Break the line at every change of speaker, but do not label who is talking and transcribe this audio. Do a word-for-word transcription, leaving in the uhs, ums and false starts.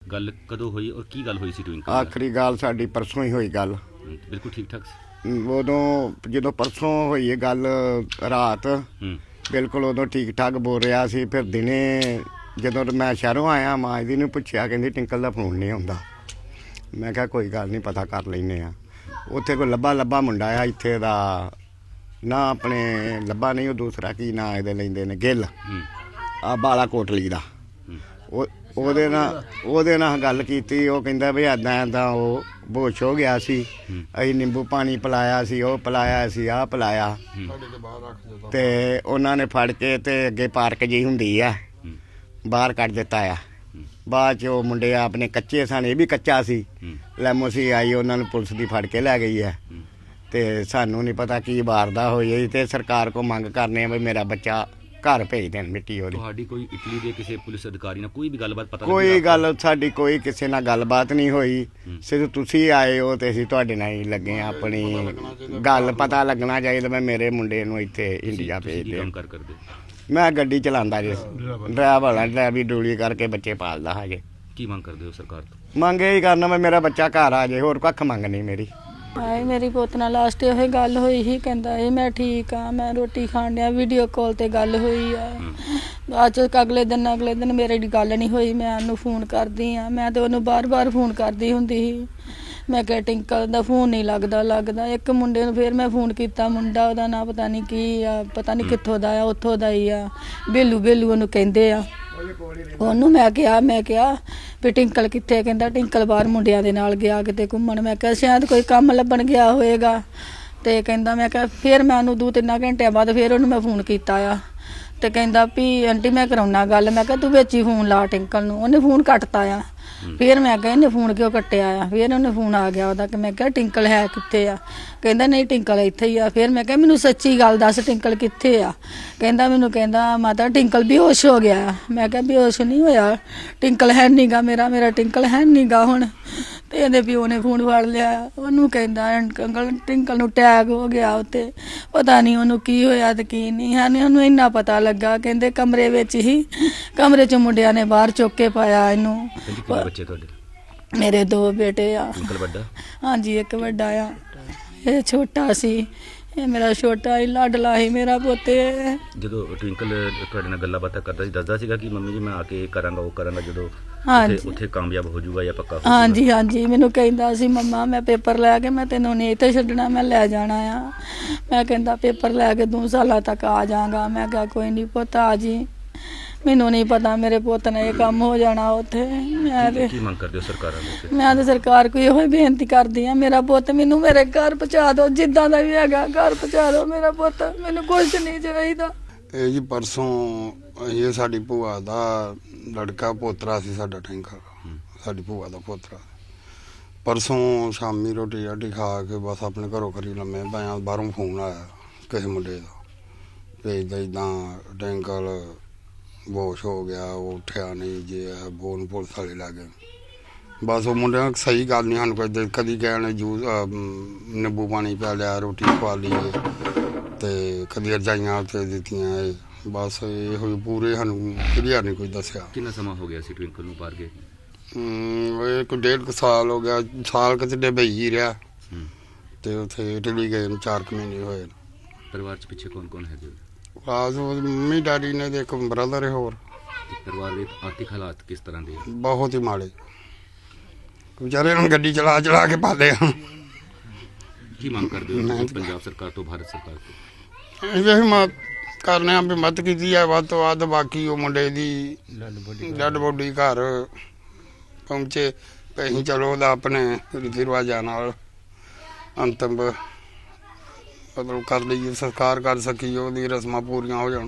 गल कदों हुई और की गल हुई सी ट्विंकल?
आखिरी गल साडी परसों ही हुई गल।
बिल्कुल ठीक ठाक
उदों जो परसों हुई गल रात बिल्कुल उदों ठीक ठाक बोल रहा सी। फिर दिने जो मैं शहरों आया माँ जी ने पुछया कहती टिंकल का फोन नहीं आउंदा। मैं क्या कोई गल नहीं पता कर लेने आ। उत्थे कोई लब्बा लब्बा मुंडा आ इत्थे दा ना अपने लब्बा नहीं वो दूसरा की ना ये लेंदे ने गिल आ बाला कोटली का ਉਹਦੇ ਨਾਲ ਉਹਦੇ ਨਾਲ ਗੱਲ ਕੀਤੀ। ਉਹ ਕਹਿੰਦਾ ਵੀ ਇੱਦਾਂ ਇੱਦਾਂ ਉਹ ਬੇਹੋਸ਼ ਹੋ ਗਿਆ ਸੀ। ਅਸੀਂ ਨਿੰਬੂ ਪਾਣੀ ਪਿਲਾਇਆ ਸੀ, ਉਹ ਪਿਲਾਇਆ ਸੀ, ਆਹ ਪਿਲਾਇਆ ਤੇ ਉਹਨਾਂ ਨੇ ਫੜ ਕੇ ਤੇ ਅੱਗੇ ਪਾਰਕ ਜਿਹੀ ਹੁੰਦੀ ਆ ਬਾਹਰ ਕੱਢ ਦਿੱਤਾ ਆ। ਬਾਅਦ 'ਚ ਉਹ ਮੁੰਡੇ ਆਪਣੇ ਕੱਚੇ ਸਨ, ਇਹ ਵੀ ਕੱਚਾ ਸੀ। ਲੈਮੋ ਸੀ ਆਈ ਉਹਨਾਂ ਨੂੰ ਪੁਲਿਸ ਦੀ ਫੜ ਕੇ ਲੈ ਗਈ ਹੈ ਤੇ ਸਾਨੂੰ ਨਹੀਂ ਪਤਾ ਕੀ ਵਾਰਦਾ ਹੋਈ। ਤੇ ਸਰਕਾਰ ਕੋ ਮੰਗ ਕਰਨੇ ਆ ਵੀ ਮੇਰਾ ਬੱਚਾ घर भेज देन मिट्टी हो रही।
कोई इटली के किसी पुलिस अधिकारी ने कोई भी गलबात पता
कोई गल साडी कोई किसी नाल गलबात नहीं हुई। सिर्फ तुसी आए हो ते असीं तुहाडे नाल ही लगे आ। अपनी गल पता लगना चाहिए। मैं मेरे मुंडे नूं इत्थे इंडिया भेज दे। मैं गड्डी चलांदा जी, ड्राइवर ड्राइवरी डूली करके बच्चे पालदा हजे।
की मंग करदे हो सरकार तो?
मंग यही करना मैं मेरा बच्चा घर आ जाए, होर कख मंग नहीं मेरी।
हाए मेरी पुत नाल लास्ट ये गल हुई ही, कहंदा है मैं ठीक हाँ, मैं रोटी खाण डिया। वीडियो कॉल ते गल हुई है। बाद च अगले दिन अगले दिन मेरे गल नहीं हुई। मैं उन्होंने फोन करदी हाँ, मैं तो उन्होंने बार बार फोन करदी हुंदी ही। मैं कहा टिंकल दा फोन नहीं लगदा लगदा। एक मुंडे नूं फिर मैं फोन कीता, मुंडा ओहदा नाम पता नहीं की आ, पता नहीं कित्थों दा आ, उत्थों दा ही आ, बेलू बेलू ओहनूं कहंदे आ। ਉਹਨੂੰ ਮੈਂ ਕਿਹਾ ਮੈਂ ਕਿਹਾ ਵੀ ਟਿੰਕਲ ਕਿੱਥੇ? ਕਹਿੰਦਾ ਟਿੰਕਲ ਬਾਹਰ ਮੁੰਡਿਆਂ ਦੇ ਨਾਲ ਗਿਆ ਕਿਤੇ ਘੁੰਮਣ। ਮੈਂ ਕਿਹਾ ਸ਼ਾਇਦ ਕੋਈ ਕੰਮ ਲੱਭਣ ਗਿਆ ਹੋਏਗਾ। ਤੇ ਕਹਿੰਦਾ ਮੈਂ ਕਿਹਾ ਫਿਰ ਮੈਂ ਉਹਨੂੰ ਦੋ ਤਿੰਨ ਘੰਟਿਆਂ ਬਾਅਦ ਫਿਰ ਉਹਨੂੰ ਮੈਂ ਫੋਨ ਕੀਤਾ ਆ ਤੇ ਕਹਿੰਦਾ ਵੀ ਆਂਟੀ ਮੈਂ ਕਰਾਉਣਾ ਗੱਲ। ਮੈਂ ਕਿਹਾ ਤੂੰ ਵਿੱਚ ਹੀ ਫੋਨ ਲਾ ਟਿੰਕਲ ਨੂੰ। ਉਹਨੇ ਫੋਨ ਕੱਟਤਾ ਆ। ਫਿਰ ਮੈਂ ਕਿਹਾ ਇਹਨੇ ਫੋਨ ਕਿਉਂ ਕੱਟਿਆ ਆ? ਫਿਰ ਉਹਨੇ ਫੋਨ ਆ ਗਿਆ ਉਹਦਾ ਕਿ ਮੈਂ ਕਿਹਾ ਟਿੰਕਲ ਹੈ ਕਿੱਥੇ ਆ? ਕਹਿੰਦਾ ਨਹੀਂ ਟਿੰਕਲ ਇੱਥੇ ਹੀ ਆ। ਫਿਰ ਮੈਂ ਕਿਹਾ ਮੈਨੂੰ ਸੱਚੀ ਗੱਲ ਦੱਸ ਟਿੰਕਲ ਕਿੱਥੇ ਆ? ਕਹਿੰਦਾ ਮੈਨੂੰ ਕਹਿੰਦਾ ਮਾਤਾ ਟਿੰਕਲ ਬੇਹੋਸ਼ ਹੋ ਗਿਆ। ਮੈਂ ਕਿਹਾ ਬੇਹੋਸ਼ ਨਹੀਂ ਹੋਇਆ, ਟਿੰਕਲ ਹੈ ਨੀ ਗਾ ਮੇਰਾ ਮੇਰਾ ਟਿੰਕਲ ਹੈ ਨੀ ਗਾ ਹੁਣ। ਤੇ ਇਹਦੇ ਪਿਓ ਨੇ ਫੋਨ ਫੜ ਲਿਆ। ਉਹਨੂੰ ਕਹਿੰਦਾ ਅੰਕਲ ਟਿੰਕਲ ਨੂੰ ਅਟੈਕ ਹੋ ਗਿਆ ਉੱਤੇ, ਪਤਾ ਨਹੀਂ ਉਹਨੂੰ ਕੀ ਹੋਇਆ ਤੇ ਕੀ ਨਹੀਂ ਹੈ। ਉਹਨੂੰ ਇੰਨਾ ਪਤਾ ਲੱਗਾ ਕਹਿੰਦੇ ਕਮਰੇ ਵਿੱਚ ਹੀ ਕਮਰੇ 'ਚ ਮੁੰਡਿਆਂ ਨੇ ਬਾਹਰ ਚੁੱਕ ਕੇ ਪਾਇਆ ਇਹਨੂੰ।
ਬੱਚੇ ਤੁਹਾਡੇ? ਮੇਰੇ
ਦੋ ਬੇਟੇ ਆ।
ਵੱਡਾ?
ਹਾਂਜੀ ਇੱਕ ਵੱਡਾ ਆ, ਇਹ ਛੋਟਾ ਸੀ। ਇਹ ਮੇਰਾ ਛੋਟਾ ਹੀ ਲਾਡਲਾ ਸੀ ਮੇਰਾ ਪੋਤੇ।
ਜਦੋਂ ਟਵਿੰਕਲ ਤੁਹਾਡੇ ਨਾਲ ਗੱਲਾਂ ਬਾਤਾਂ ਕਰਦਾ ਸੀ ਦੱਸਦਾ ਸੀਗਾ ਕਿ ਮੰਮੀ ਜੀ ਮੈਂ ਆ ਕੇ ਕਰਾਂਗਾ ਉਹ ਕਰਾਂਗਾ ਜਦੋਂ ਉੱਥੇ ਕਾਮਯਾਬ ਹੋ ਜਾਊਗਾ ਜਾਂ ਪੱਕਾ?
ਹਾਂਜੀ ਹਾਂਜੀ ਮੈਨੂੰ ਕਹਿੰਦਾ ਸੀ ਮੰਮਾ ਮੈਂ ਪੇਪਰ ਲੈ ਕੇ ਮੈਂ ਤੈਨੂੰ ਨਹੀਂ ਇੱਥੇ ਛੱਡਣਾ, ਮੈਂ ਲੈ ਜਾਣਾ ਆ। ਮੈਂ ਕਹਿੰਦਾ ਪੇਪਰ ਲੈ ਕੇ ਦੋ ਸਾਲਾਂ ਤੱਕ ਆ ਜਾਵਾਂਗਾ। ਮੈਂ ਕਿਹਾ ਕੋਈ ਨਹੀਂ ਪੁੱਤ ਆ ਜੀ। ਮੈਨੂੰ ਨਹੀਂ ਪਤਾ ਮੇਰੇ ਪੁੱਤ ਨੇ ਇਹ ਕੰਮ ਹੋ ਜਾਣਾ ਉੱਥੇ। ਮੈਂ ਤੇ
ਕੀ ਮੰਗ ਕਰਦੇ ਹੋ ਸਰਕਾਰਾਂ ਤੋਂ?
ਮੈਂ ਤੇ ਸਰਕਾਰ ਕੋਲ ਇਹੋ ਹੀ ਬੇਨਤੀ ਕਰਦੀ ਆ ਮੇਰਾ ਪੁੱਤ ਮੈਨੂੰ ਮੇਰੇ ਘਰ ਪਹੁੰਚਾ ਦਿਓ, ਜਿੱਦਾਂ ਦਾ ਵੀ ਹੈਗਾ ਘਰ ਪਹੁੰਚਾ ਦਿਓ ਮੇਰਾ ਪੁੱਤ, ਮੈਨੂੰ ਕੁਝ ਨਹੀਂ ਚਾਹੀਦਾ।
ਇਹ ਜੀ ਪਰਸੋਂ ਇਹ ਸਾਡੀ ਭੂਆ ਦਾ ਲੜਕਾ ਪੋਤਰਾ ਸੀ ਸਾਡਾ ਟਿੰਕਲ, ਸਾਡੀ ਭੂਆ ਦਾ ਪੋਤਰਾ। ਪਰਸੋਂ ਸ਼ਾਮੀ ਰੋਟੀ ਰਾਟੀ ਖਾ ਕੇ ਬਸ ਆਪਣੇ ਘਰੋਂ ਘਰੀ ਲੰਮੇ ਪਿਆ, ਬਾਹਰੋਂ ਫੋਨ ਆਇਆ ਕਿਸੇ ਮੁੰਡੇ ਦਾ ਭੇਜਦਾ ਇੱਦਾਂ ਟਿੰਕਲ ਬੇਹੋਸ਼ ਹੋ ਗਿਆ, ਉਹ ਉੱਠਿਆ ਨਹੀਂ ਜੇ ਬੋਨ ਪੁਲਿਸ ਵਾਲੇ ਲੱਗ ਗਏ। ਬਸ ਉਹ ਮੁੰਡਿਆਂ ਸਹੀ ਗੱਲ ਨਹੀਂ ਸਾਨੂੰ ਕੋਈ ਕਦੀ ਕਹਿਣ ਜੂਸ ਨਿੰਬੂ ਪਾਣੀ ਪਿਆ ਲਿਆ, ਰੋਟੀ ਖਵਾ ਲਈ ਤੇ ਕਦੀ ਰਜਾਈਆਂ ਉੱਤੇ ਦਿੱਤੀਆਂ। ਬਸ ਇਹੋ ਹੀ ਪੂਰੇ ਸਾਨੂੰ ਕਲੀਅਰ ਨਹੀਂ ਕੋਈ ਦੱਸਿਆ।
ਕਿੰਨਾ ਸਮਾਂ ਹੋ ਗਿਆ ਸੀ ਟਵਿੰਕਲ ਨੂੰ ਬਾਹਰ ਗਏ?
ਇਹ ਕੋਈ ਡੇਢ ਕੁ ਸਾਲ ਹੋ ਗਿਆ, ਸਾਲ ਕਿਤੇ ਡਬਈ ਹੀ ਰਿਹਾ ਤੇ ਉੱਥੇ ਇਟਲੀ ਗਏ ਨੂੰ ਚਾਰ ਕੁ ਮਹੀਨੇ ਹੋਏ।
ਪਰਿਵਾਰ 'ਚ ਪਿੱਛੇ ਕੌਣ ਕੌਣ ਹੈਗੇ?
ਖਾਸ ਮੰਮੀ ਡੈਡੀ ਨੇ ਤੇ ਇੱਕ ਬ੍ਰਦਰ ਹੈ ਹੋਰ।
ਪਰਿਵਾਰ ਦੇ ਆਰਥਿਕ ਹਾਲਾਤ ਕਿਸ ਤਰ੍ਹਾਂ ਦੇ?
ਬਹੁਤ ਹੀ ਮਾੜੇ, ਵਿਚਾਰੇ ਹੁਣ ਗੱਡੀ ਚਲਾ ਚਲਾ ਕੇ ਪਾਲੇ ਆ।
ਕੀ ਮੰਗ ਕਰਦੇ ਹੋ ਪੰਜਾਬ ਸਰਕਾਰ ਤੋਂ, ਭਾਰਤ ਸਰਕਾਰ ਤੋਂ?
ਇਹ ਵੀ ਕਰਨੇ ਆ ਵੀ ਮਦਦ ਕੀਤੀ ਹੈ ਵੱਧ ਤੋਂ ਵੱਧ। ਬਾਕੀ ਉਹ ਮੁੰਡੇ ਦੀ ਡੈਡ ਬੋਡੀ ਘਰ ਪਹੁੰਚੇ ਅਸੀਂ ਚਲੋ ਉਹਦਾ ਆਪਣੇ ਰੀਤੀ ਰਿਵਾਜਾਂ ਨਾਲ ਅੰਤਿਮ ਮਤਲਬ ਕਰ ਲਈਏ, ਸੰਸਕਾਰ ਕਰ ਸਕੀਏ, ਉਹਦੀ ਰਸਮਾਂ ਪੂਰੀਆਂ ਹੋ ਜਾਣ।